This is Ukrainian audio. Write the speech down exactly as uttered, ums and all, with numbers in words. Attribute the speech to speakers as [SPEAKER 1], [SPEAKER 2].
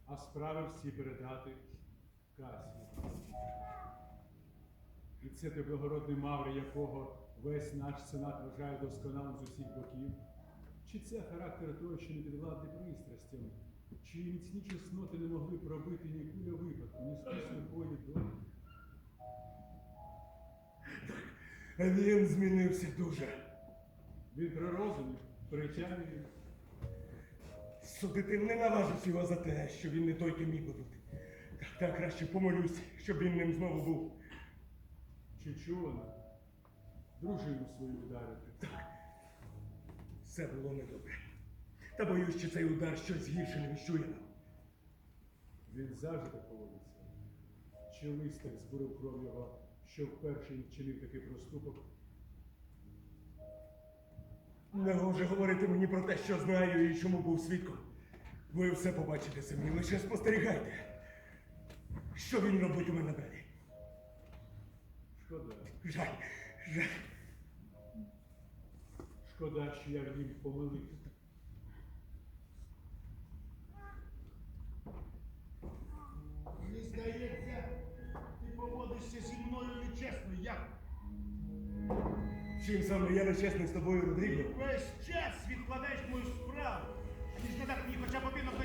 [SPEAKER 1] а справи всі передати Касі. І це той благородний Мавр, якого весь наш сенат вважає досконалим з усіх боків? Чи це характер того, що не підвладний пристрастям? Чи міцні чесноти не могли пробити ні куля випадку, ні спис сліпої долі?
[SPEAKER 2] Він змінився дуже.
[SPEAKER 1] Він при розумі, при тямі.
[SPEAKER 2] Судити не наважусь його за те, що він не той, ким міг би бути. Так, так краще помолюсь, щоб він ним знову був.
[SPEAKER 1] Чи чувана? Дружину свою вдарити.
[SPEAKER 2] Так, все було недобре. Та боюсь, що цей удар щось гірше не віщує нам.
[SPEAKER 1] Він завжди так поводиться. Чи лист так збурив кров його, що вперше він вчинив такий проступок?
[SPEAKER 2] Не гоже говорити мені про те, що знаю і чому був свідком. Ви все побачите самі, лише спостерігайте. Що він робить у мене далі?
[SPEAKER 1] Шкода.
[SPEAKER 2] Жаль, жаль.
[SPEAKER 1] Шкода, що я в нім помилився.
[SPEAKER 3] Мені здається, ти поводишся зі мною нечесно, як?
[SPEAKER 2] Чим саме я нечесний з тобою, Родріго?
[SPEAKER 3] Весь час відкладаєш мою справу, ніж не дати мені хоча б один